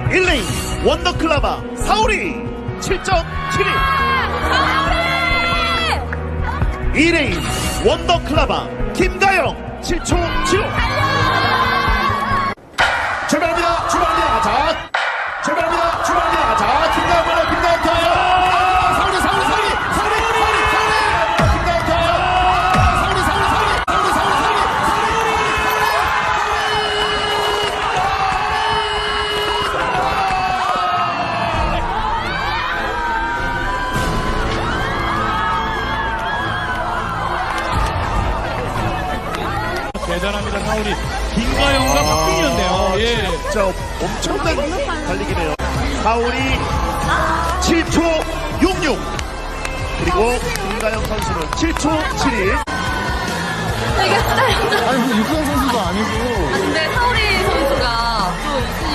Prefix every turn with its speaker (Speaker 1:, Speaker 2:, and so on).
Speaker 1: 1레인 원더클라바 사오리 7.71. 2레인 원더클라바 김가영 7초 75. 출발합니다. 출발합니다. 자, 출발합니다. 출발합니다. 자, 김가영 번호 김가영 터. 사오리 사오리 사오리 사오리 사오리 사오리 김가영 터. 사오리 사오리 사오리 사오리 사오리
Speaker 2: 대단합니다. 사울이 김가영과 박빙이었네요. 예.
Speaker 1: 진짜 엄청난 달리기네요. 사울이 7초 66. 그리고 김가영 선수는 7초 71.
Speaker 3: 되게 짧다.
Speaker 4: 아니, 그 육상 선수도 아니고.
Speaker 3: 근데 사오리 선수가 또